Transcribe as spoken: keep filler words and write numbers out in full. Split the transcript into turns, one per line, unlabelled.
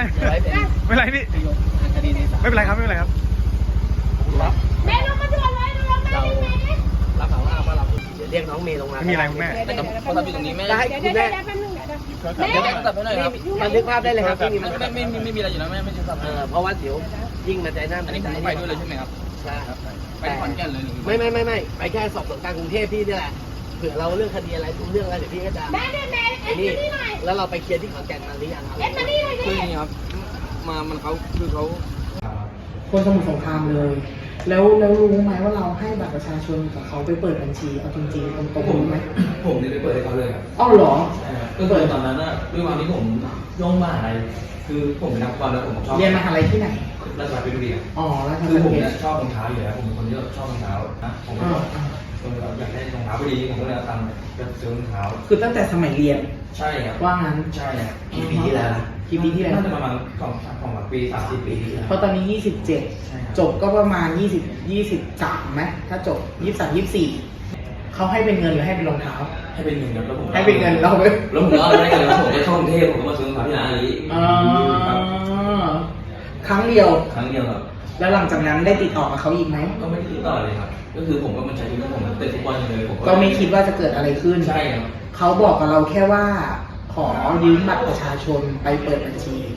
ไรไม่เป็นไรพี่ไม่เป็นไรครับไม่เป็นไรครับ
แม่ลงมาด่วนเลยลงมาได้ไหม
รับสารภาพว่าเราเรียกน้องเมย์ลงมา
ไม่มีอะไรคุณแม่
แต่เขาทำอยู่ตรงนี้ไม่
ได้
ได้คุณแม่
แม่
เดี๋ยวตัดไปหน่อยครับบันทึกภาพได้เลยครับไม่มีไม่ไม่ไม่มีอะไรอยู่แล้วไม่ไม่ใช่สับเออเพราะว่าเดี๋ยวยิ่งมาใจหน้าอันนี้ผมไปด้วยเลยใช่ไหมครับใช่ไปขอนแก่นเลยไม่ไม่ไม่ไม่ไปแค่สอบสวนกลางกรุงเทพพี่นี่แหละเผื่อเราเรื่องคดีอะไรเรื่องอะไรเดี๋ยวพี่ก็จะ
แม่แม่เอ็ดมานี่หน่อย
แล้วเราไปเคลียร์ที่ขอนแก่นมาหรือยังครับ
เอ็ดมานี่หน่อยดิ
คืออย่างนี้ครับมามันเขาคือเขา
คนสมุทรสงครามเลย แล้วแล้วรู้ไหมว่าเราให้บัตรประชาชนกับเขาไปเปิดบัญชีเอาจริงๆตรงๆรู้ไหม
ผมเนี่ยไปเปิดให้เขาเลยครับ
อ้าวเหรอ
ก็เปิดตอนนั้นอะด้วยความที่ผมย่องมหาลัยคือผมเป็นนักบอลแล้วผมชอบ
เรียนมหาลัยที่ไหน
ราชภัฏเพชรบุรี
อ๋อราชภัฏ
คือผม
เพช
เนี่ย
ร
ชอบรองเท้าอยู่แล้วผมเป็นคนที่ชอบรองเท้านะผมก็อยากได้รองเท้าพอดีผมก็เลยเอาตังค์ไปซื้อรองเท้า
คือตั้งแต่สมัยเรียน
ใช่ครับ
ว่างั้น
ใช่ครับกี่ปีที่แล้ว
กี่ปีที่แล้ว
น่าจะประมาณสองสองปีสามสิบปีที่แล้ว
เพราะตอนนี้ยี่สิบเจ็ดจบก็ประมาณยี่สิบ ยี่สิบสามไหมถ้าจบยี่สิบสาม ยี่สิบสี่เขาให้เป็นเงินหรือให้เป็นรองเท้า
ให้เป็นเงินครับแล้วผม
ให้เป็นเงินแล้ว
แล้วผมก็ได้เงินแล้วผมก็เข้ากรุงเทพผมก็มาซื้อรองเท้าที่ร้านนี้
ครั้งเดียว
ครั้งเดียวครับ
แล้วหลังจากนั้นได้ติดต่อกับเขาอีกไหม
ก็ไม่ได้ติดต่อเลยครับก็คือผมก็มันใช้ชีวิตผมเตะฟุตบอลเลยผม
ก็ไม่คิดว่าจะเกิดอะไรขึ้น
ใช่ครับ
เขาบอกกับเราแค่ว่าขอยืมบัตรประชาชนไปเปิดบัญชี